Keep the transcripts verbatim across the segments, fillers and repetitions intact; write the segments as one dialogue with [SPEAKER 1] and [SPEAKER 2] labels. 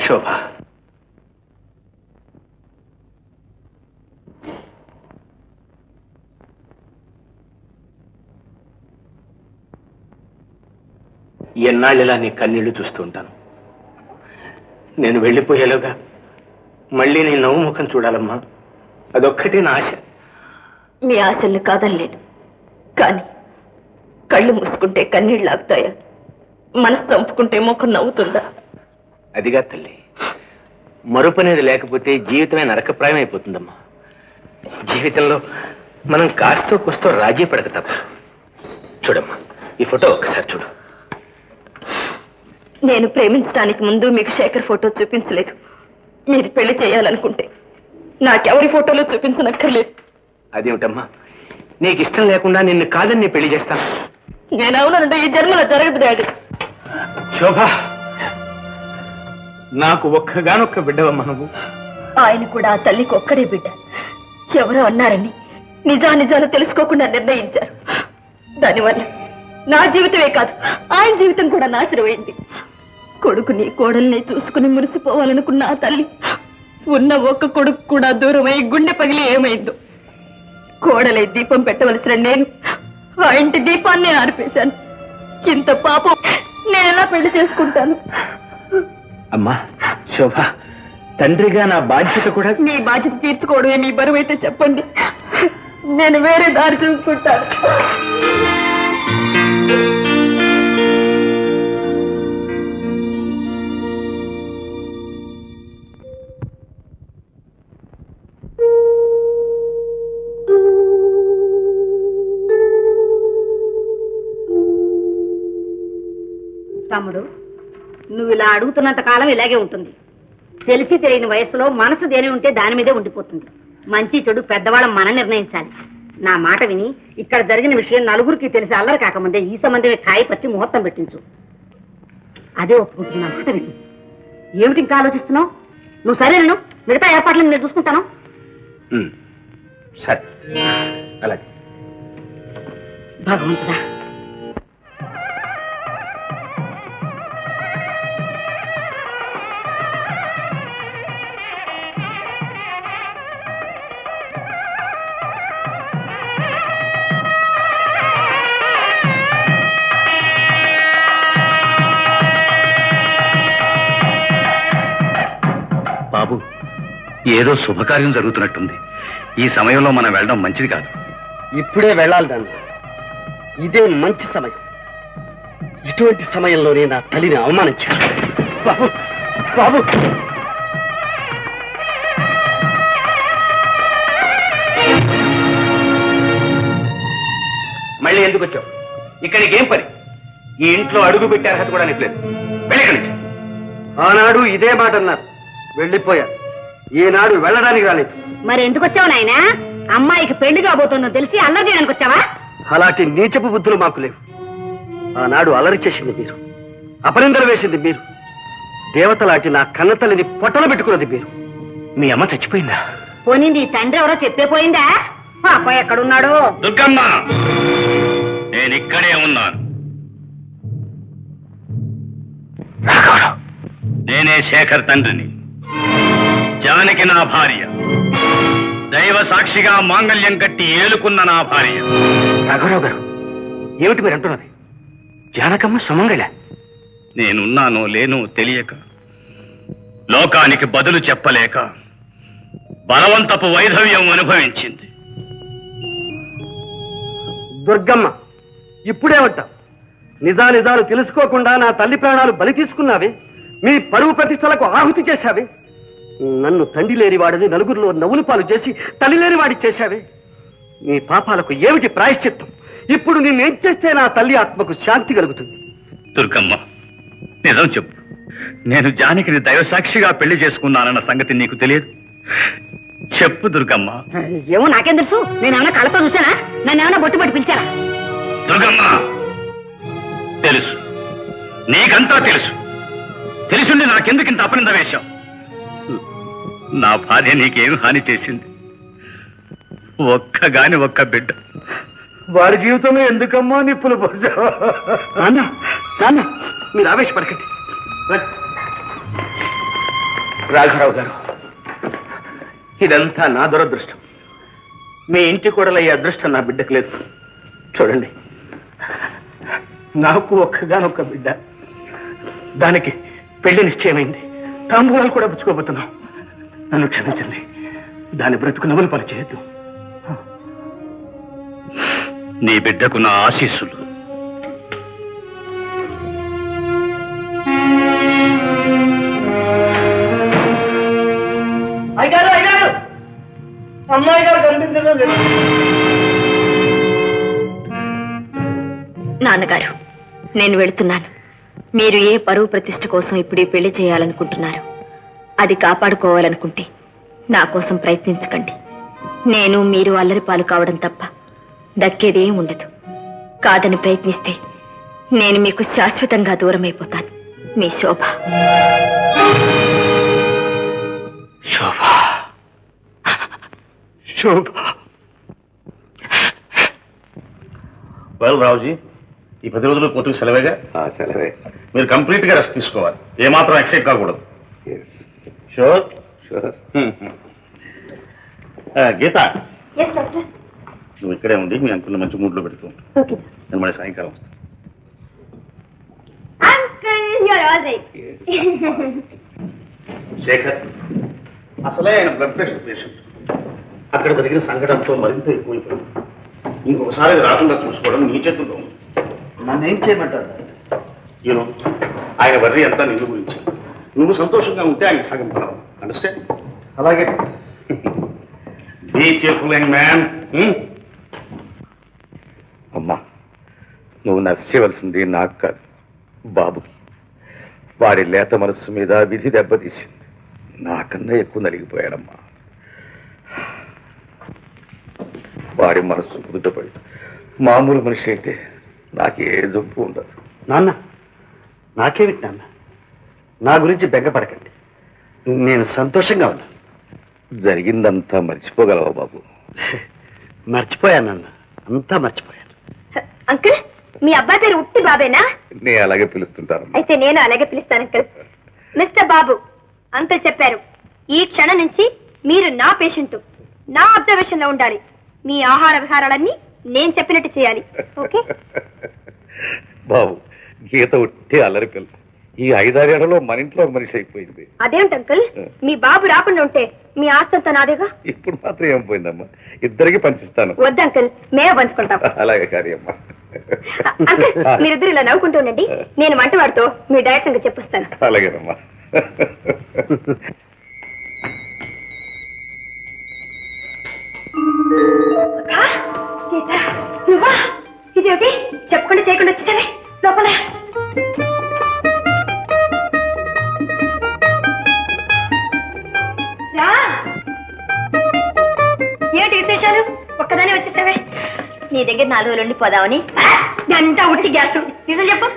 [SPEAKER 1] శోభ, ఎన్నాళ్ళిలా నీ కన్నీళ్లు చూస్తూ ఉంటాను. నేను వెళ్ళిపోయేలోగా మళ్ళీ నీ నవ్వు ముఖం చూడాలమ్మా, అదొక్కటే నా ఆశ.
[SPEAKER 2] మీ ఆశల్ని కాదనలేను, కానీ కళ్ళు మూసుకుంటే కన్నీళ్ళు ఆగుతాయా? మనసు చంపుకుంటే ముఖం నవ్వుతుందా?
[SPEAKER 1] అదిగా తల్లి, మరుపనేది లేకపోతే జీవితమే నరకప్రాయం అయిపోతుందమ్మా. జీవితంలో మనం కాస్తో కూస్తో రాజీ పడక తప్ప. చూడమ్మా, ఈ ఫోటో ఒక్కసారి చూడు.
[SPEAKER 2] నేను ప్రేమించడానికి ముందు మీకు శేఖర్ ఫోటో చూపించలేదు. మీరు పెళ్లి చేయాలనుకుంటే నాకెవరి ఫోటోలు చూపించనక్కర్లేదు.
[SPEAKER 1] అదేమిటమ్మా, నీకు ఇష్టం లేకుండా నిన్ను కాదని నేను పెళ్లి చేస్తాను.
[SPEAKER 2] నేను అవునంటే ఈ జన్మలో జరగదు డాడీ.
[SPEAKER 1] శోభ, నాకు ఒక్కగానొక్క బిడ్డవమ్మా నువ్వు.
[SPEAKER 2] ఆయన కూడా ఆ తల్లికి ఒక్కడే బిడ్డ. ఎవరో అన్నారని నిజా నిజాలు తెలుసుకోకుండా నిర్ణయించారు. దానివల్ల నా జీవితమే కాదు, ఆయన జీవితం కూడా నాశనమైంది. కొడుకుని కోడల్ని చూసుకుని మురిసిపోవాలనుకున్న ఆ తల్లి ఉన్న ఒక్క కొడుకు కూడా దూరమై గుండె పగిలి ఏమైందో. కోడలై దీపం పెట్టవలసిన నేను ఆ ఇంటి దీపాన్నే ఆర్పేశాను. ఇంత పాపం నేను ఎలా పెళ్లి చేసుకుంటాను?
[SPEAKER 1] అమ్మా శోభ, తండ్రిగా నా బాధ్యత కూడా.
[SPEAKER 2] మీ బాధ్యత తీర్చుకోవడమే మీ బరువు అయితే చెప్పండి, నేను వేరే దారి చూసుకుంటాను.
[SPEAKER 3] తమ్ముడు, నువ్వు ఇలా అడుగుతున్నంత కాలం ఇలాగే ఉంటుంది. తెలిసి తెలియని వయసులో మనసు దేని ఉంటే దాని మీదే ఉండిపోతుంది. మంచి చెడు పెద్దవాళ్ళం మనం నిర్ణయించాలి. నా మాట విని ఇక్కడ జరిగిన విషయం నలుగురికి తెలిసి అల్లరి కాకముందే ఈ సంబంధమే కాయ పట్టి ముహూర్తం పెట్టించు. అదే ఒప్పుకుంటుంది. నా మాట విని. ఏమిటి ఇంకా ఆలోచిస్తున్నావు? నువ్వు సరే, నేను మిగతా ఏర్పాట్లను నేను చూసుకుంటాను.
[SPEAKER 1] సరే, అలాగే.
[SPEAKER 3] భగవంతుడా,
[SPEAKER 4] బాబు, ఏదో శుభకార్యం జరుగుతున్నట్టుంది. ఈ సమయంలో మనం వెళ్ళడం మంచిది కాదు.
[SPEAKER 5] ఇప్పుడే వెళ్ళాలి దాన్ని. ఇదే మంచి సమయం. ఇటువంటి సమయంలోనే నా తల్లిని అవమానించాను. బాబు బాబు
[SPEAKER 1] మళ్ళీ ఎందుకు వచ్చావు? ఇక్కడికి ఏం పని? ఈ ఇంట్లో అడుగు పెట్టే అర్హత కూడా నీకు లేదు. వెళ్ళి.
[SPEAKER 5] ఆనాడు ఇదే మాట అన్నారు, వెళ్ళిపోయారు. ఈనాడు వెళ్ళడానికి రాలేదు.
[SPEAKER 3] మరి ఎందుకు వచ్చావు నాయనా? అమ్మాయికి పెళ్లి కాబోతుందో తెలిసి అల్లరి చేయడానికి వచ్చావా?
[SPEAKER 5] అలాంటి నీచపు బుద్ధులు మాకు లేవు. ఆనాడు అలరి చేసింది మీరు, అపనిందలు వేసింది మీరు, దేవతలాంటి నా కన్నతల్లిని పొట్టలు పెట్టుకున్నది మీరు.
[SPEAKER 1] మీ అమ్మ చచ్చిపోయిందా?
[SPEAKER 3] పోనింది. తండ్రి ఎవరో చెప్పే పోయిందా? అబ్బాయి ఎక్కడున్నాడు?
[SPEAKER 4] దుర్గమ్మ, నేను ఇక్కడే ఉన్నాను. నేనే శేఖర్ తండ్రిని. జానకి నా భార్య. దైవ సాక్షిగా మాంగళ్యం కట్టి ఏలుకున్న నా భార్య.
[SPEAKER 1] రాఘవరావు గారు, ఏమిటి మీరు అంటున్నది? జానకమ్మ సుమంగళ?
[SPEAKER 4] నేనున్నానో లేనో తెలియక, లోకానికి బదులు చెప్పలేక బలవంతపు వైధవ్యం అనుభవించింది.
[SPEAKER 5] దుర్గమ్మ, ఇప్పుడేమంటావు? నిజానిజాలు తెలుసుకోకుండా నా తల్లి ప్రాణాలు బలి తీసుకున్నావే, మీ పరువు ప్రతిష్టలకు ఆహుతి చేశావే, నన్ను తండ్రి లేని వాడిని నలుగురిలో నవ్వులు పాలు చేసి తల్లి లేని వాడి చేశావే. నీ పాపాలకు ఏమిటి ప్రాయశ్చిత్తం? ఇప్పుడు నిన్నేం చేస్తే నా తల్లి ఆత్మకు శాంతి కలుగుతుంది?
[SPEAKER 4] దుర్గమ్మ, నిజం చెప్పు. నేను జానకిని దైవసాక్షిగా పెళ్లి చేసుకున్నానన్న సంగతి నీకు తెలియదు? చెప్పు దుర్గమ్మ.
[SPEAKER 3] ఏమో నాకేం తెలుసు? నేనేమన్నా కళ్ళతో చూసానా? నన్ను ఏమన్నా బొట్టు పట్టి పిలిచారా?
[SPEAKER 4] దుర్గమ్మ, తెలుసు, నీకంతా తెలుసు. తెలుసుండి నాకెందుకింత అపనింద వేశాం? నా భార్య నీకేం హాని చేసింది? ఒక్కగాని ఒక్క బిడ్డ.
[SPEAKER 5] వారి జీవితంలో ఎందుకమ్మా నిప్పులు పోసావు? నాన్న నాన్న, మీరు ఆవేశపడకండి.
[SPEAKER 1] రాఘరావు గారు, ఇదంతా నా దురదృష్టం. మీ ఇంటి కూడలయ్యే అదృష్టం నా బిడ్డకు లేదు. చూడండి, నాకు ఒక్కగానొక్క బిడ్డ, దానికి పెళ్లి నిశ్చయమైంది, తాంబూలాలు కూడా పుచ్చుకోబోతున్నాం. నన్ను క్షమించండి, దాని బ్రతుకు నవ్వులు పరిచేయద్దు.
[SPEAKER 4] నీ బిడ్డకు నా ఆశీస్సులు.
[SPEAKER 5] అయ్యారు అయ్యారు అమ్మాయి గారు కనిపించడం లేదు.
[SPEAKER 2] నాన్నగారు, నేను వెళుతున్నాను. మీరు ఏ పరువు ప్రతిష్ఠ కోసం ఇప్పుడు ఈ పెళ్లి చేయాలనుకుంటున్నారు? అది కాపాడుకోవాలనుకుంటే నా కోసం ప్రయత్నించకండి. నేను మీరు అల్లరి పాలు కావడం తప్ప దక్కేదేం ఉండదు. కాదని ప్రయత్నిస్తే నేను మీకు శాశ్వతంగా దూరం అయిపోతాను. మీ శోభ.
[SPEAKER 1] శోభ, శోభ.
[SPEAKER 4] వెల్ రావుజీ, ఈ పది రోజులు కోర్టుకు సెలవేగా?
[SPEAKER 5] సెలవే.
[SPEAKER 4] మీరు కంప్లీట్ గా రెస్ట్ తీసుకోవాలి, ఏమాత్రం ఎక్సైట్ కాకూడదు. Sure
[SPEAKER 5] sure.
[SPEAKER 4] గీత, నువ్వు ఇక్కడే ఉండి మీ అంకుల్ని మంచి మూడ్లో పెడుతూ నేను మళ్ళీ సాయంకాలం వస్తాను. శేఖర్, అసలే ఆయన బ్లడ్ ప్రెషర్ పేషెంట్. అక్కడ జరిగిన సంఘటనతో మరింత ఎక్కువైపోయింది. ఇంకొకసారి అది రాకుండా చూసుకోవడం నీ చేతుల్లో ఉంది.
[SPEAKER 5] నన్ను ఏం చేయమంటారు?
[SPEAKER 4] యూనో, ఆయన వర్రీ అంతా నిన్ను గురించి. నువ్వు సంతోషంగా ఉంటే ఆయన సగం పడవు. అండర్స్టాండ్?
[SPEAKER 5] అలాగే.
[SPEAKER 4] Be careful young man.
[SPEAKER 6] అమ్మా, నువ్వు నచ్చవలసింది నాకు కాదు, బాబుకి. వాడి లేత మనస్సు మీద విధి దెబ్బతీసింది. నాకన్నా ఎక్కువ నలిగిపోయాడమ్మా. వాడి మనస్సు కుదుటపడి మామూలు మనిషి అయితే నాకే జబ్బు ఉండదు.
[SPEAKER 5] నాన్న, నాకేమిటి నాన్న? నా గురించి బెంగపడకండి, నేను సంతోషంగా ఉన్నా.
[SPEAKER 6] జరిగిందంతా మర్చిపోగలవా బాబు?
[SPEAKER 5] మర్చిపోయాను నాన్న, అంతా మర్చిపోయాను.
[SPEAKER 2] అంకుల్, మీ అబ్బాయి పేరు ఉట్టి బాబేనా?
[SPEAKER 6] నేను అలాగే పిలుస్తుంటాను.
[SPEAKER 2] అయితే నేను అలాగే పిలుస్తాను అంకుల్. మిస్టర్ బాబు, అంకుల్ చెప్పారు, ఈ క్షణం నుంచి మీరు నా పేషెంట్, నా అబ్జర్వేషన్ లో ఉండాలి. మీ ఆహార విహారాలన్నీ నేను చెప్పినట్టు చేయాలి. ఓకే?
[SPEAKER 6] బాబు, గీత ఉట్టి అల్లరి పిల్ల. ఈ ఐదారేళ్లలో మన ఇంట్లో ఒక మనిషి అయిపోయింది.
[SPEAKER 2] అదేంటి అంకుల్, మీ బాబు రాకుండా ఉంటే మీ ఆస్తంతా నాదేగా.
[SPEAKER 6] ఇప్పుడు మాత్రం ఏం పోయిందమ్మా, ఇద్దరికి పంచిస్తాను.
[SPEAKER 2] వద్దు అంకుల్, మేమే పంచుకుంటాం.
[SPEAKER 6] అలాగే కార్యమ్మా.
[SPEAKER 2] అంకుల్, మీరిద్దరు ఇలా నవ్వుకుంటూ ఉండండి, నేను వంటవాడితో మీ డైరెక్ట్ గా చెప్పిస్తాను.
[SPEAKER 6] అలాగేనమ్మా.
[SPEAKER 2] నువ్వా? ఇదేమిటి చెప్పకుండా చేయకుండా వచ్చేసావే? లోపల రా. ఏమిటి విశేషాలు? ఒక్కదానే వచ్చేసావే? నీ దగ్గర నాలుగు రోజులు ఉండిపోదామని. అంతా ఉట్టి గ్యాస్. నిజం చెప్పు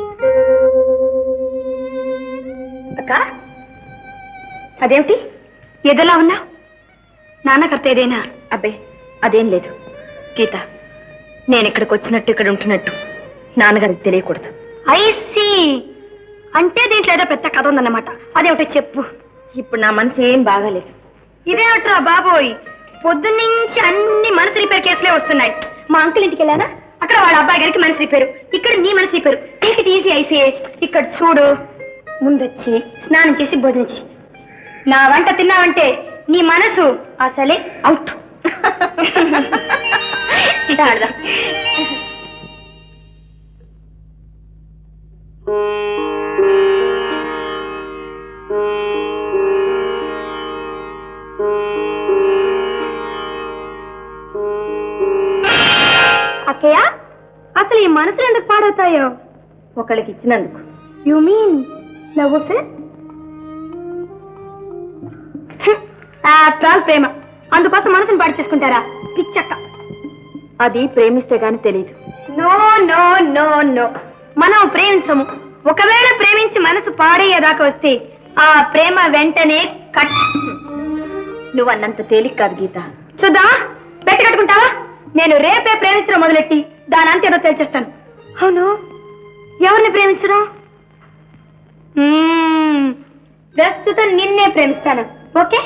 [SPEAKER 2] అక్క. అదేమిటి ఎదలా ఉన్నావు? నాన్నకర్త ఏదైనా? అబ్బే, అదేం లేదు గీత. నేను ఇక్కడికి వచ్చినట్టు ఇక్కడ ఉంటున్నట్టు నాన్నగారికి తెలియకూడదు. ఐసి అంటే దీంట్లో ఏదో పెద్ద కథ ఉందన్నమాట. అదేమిటో చెప్పు. ఇప్పుడు నా మనసు ఏం బాగాలేదు. ఇదేమిట్రా బాబోయ్, పొద్దున్నుంచి అన్ని మనసు రిపేర్ కేసులే వస్తున్నాయి. మా అంకుల్ ఇంటికి వెళ్ళానా, అక్కడ వాళ్ళ అబ్బాయి గారికి మనసు రిపేరు, ఇక్కడ నీ మనసు repair. Take it easy I see. ఇక్కడ చూడు, ముందొచ్చి స్నానం చేసి భోజనం చేయి. నా వంట తిన్నావంటే నీ మనసు అసలే అవుట్. అక్కయ్య, అసలు ఈ మనసులు ఎందుకు పాడవుతాయో? ఒకళ్ళకి ఇచ్చినందుకు. You mean love affair? After all ప్రేమ, అందుకోసం మనసుని పాడు చేసుకుంటారా? పిచ్చక్క. అది ప్రేమిస్తే గాని తెలియదు. నో నో నో నో, మనం ప్రేమించము. ఒకవేళ ప్రేమించి మనసు పాడయ్యేదాకా వస్తే ఆ ప్రేమ వెంటనే కట్. నువ్వన్నంత తేలిక కాదు గీత. చూద్దా, పెట్టి కట్టుకుంటావా? నేను రేపే ప్రేమించడం మొదలెట్టి దాని అంతేదో తెలిచేస్తాను. అవును, ఎవరిని ప్రేమించడం?
[SPEAKER 7] ప్రస్తుతం నిన్నే ప్రేమిస్తాను. Okay?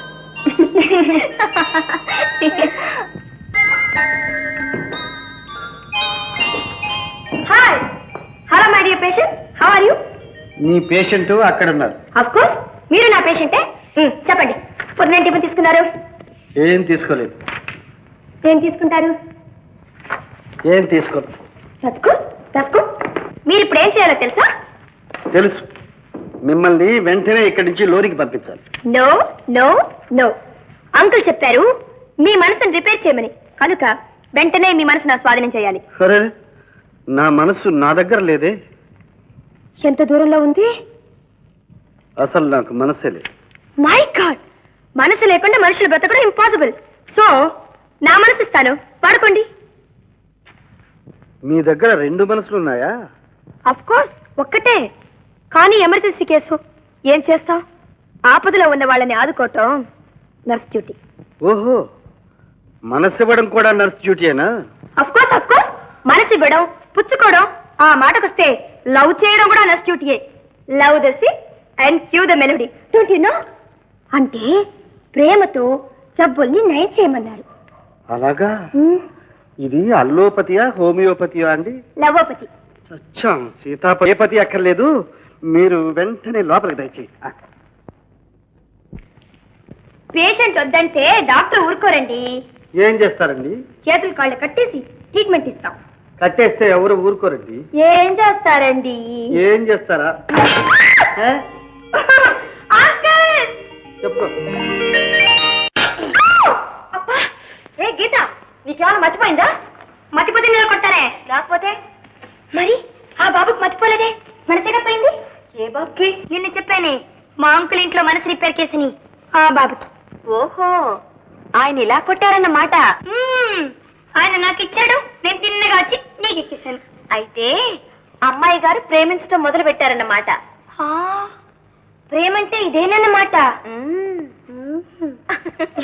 [SPEAKER 7] Hi, hello my dear patient, how are you?
[SPEAKER 5] నీ పేషెంట్ అక్కడ ఉన్నారు.
[SPEAKER 7] ఆఫ్ కోర్స్ మీరు నా పేషెంటే. చెప్పండి, పొద్దున టిఫిన్ తీసుకున్నారు?
[SPEAKER 5] ఏం తీసుకోలేదు.
[SPEAKER 7] ఏం తీసుకుంటారు?
[SPEAKER 5] ఏం తీసుకోలేదు.
[SPEAKER 7] రస్కు రస్కు మీరు ఇప్పుడు ఏం చేయాలో తెలుసా?
[SPEAKER 5] తెలుసు. మిమ్మల్ని వెంటనే ఇక్కడి నుంచి లోనికి పంపించాలి.
[SPEAKER 7] నో నో నో, అంకుల్ చెప్పారు మీ మనసును రిపేర్ చేయమని. కనుక వెంటనే మీ మనసు నా స్వాధీనం చేయాలి.
[SPEAKER 5] సరే, నా మనసు నా దగ్గర లేదే.
[SPEAKER 7] ఎంత దూరంలో ఉంది?
[SPEAKER 5] అసలు నాకు మనసే లేదు.
[SPEAKER 7] మై గాడ్, మనసు లేకుండా మనుషులు బ్రతకడం ఇంపాసిబుల్. సో నా మనసు ఇస్తాను, పడుకోండి.
[SPEAKER 5] మీ దగ్గర రెండు మనసులు ఉన్నాయా?
[SPEAKER 7] అఫ్ కోర్స్ ఒక్కటే, కానీ ఎమర్జెన్సీ కేసు. ఏం చేస్తావు? ఆపదలో ఉన్న వాళ్ళని ఆదుకోవటం నర్స్ డ్యూటీ.
[SPEAKER 5] ఓహో, మనసు ఇవ్వడం కూడా నర్స్ డ్యూటీయేనా?
[SPEAKER 7] అఫ్ కోర్స్ అఫ్ కోర్స్, మనసు ఇవ్వడం, పుచ్చుకోవడం, ఆ మాటకొస్తే లవ్ చేయడం కూడా నర్స్ డ్యూటీయే. Love the C and Q the melody, don't you know? అంటే ప్రేమతో జబ్బుల్ని నయం చేయమన్నారు.
[SPEAKER 5] అలాగా? ఇది అల్లోపతియా హోమియోపతియా అండి?
[SPEAKER 7] లవోపతి.
[SPEAKER 5] చచ్చా, సీతాపతి అక్కర్లేదు. మీరు వెంటనే లోపలికి దయచేయండి.
[SPEAKER 7] పేషెంట్ వద్దంటే డాక్టర్ ఊరుకోరండి.
[SPEAKER 5] ఏం చేస్తారండి?
[SPEAKER 7] చేతులు కాళ్ళు కట్టేసి ట్రీట్మెంట్ ఇస్తాం.
[SPEAKER 5] కట్టేస్తే ఎవరు ఊరుకోరండి.
[SPEAKER 7] ఏం చేస్తారండి?
[SPEAKER 5] ఏం చేస్తారా? ఏ?
[SPEAKER 7] అంకుల్!
[SPEAKER 5] చెప్పు.
[SPEAKER 7] అబ్బా, ఏ గీత, నీకేమైనా మర్చిపోయిందా? మర్చిపోతే నేను కొట్టానే, రాకపోతే మరి ఆ బాబుకి మర్చిపోలేదే, మనసేగా పోయింది. ఏ బాబుకి? నిన్ను చెప్పానే, మా అంకుల్ ఇంట్లో మనసు రిపేర్ కేసుని ఆ బాబుకి. ఓహో, ఆయన ఇలా కొట్టారన్నమాట. ఆయన నాకు ఇచ్చాడు, నేను తిన్నగా వచ్చి నీకు ఇచ్చేసాను. అయితే అమ్మాయి గారు ప్రేమించడం మొదలు పెట్టారన్నమాట. ప్రేమంటే ఇదేనన్నమాట.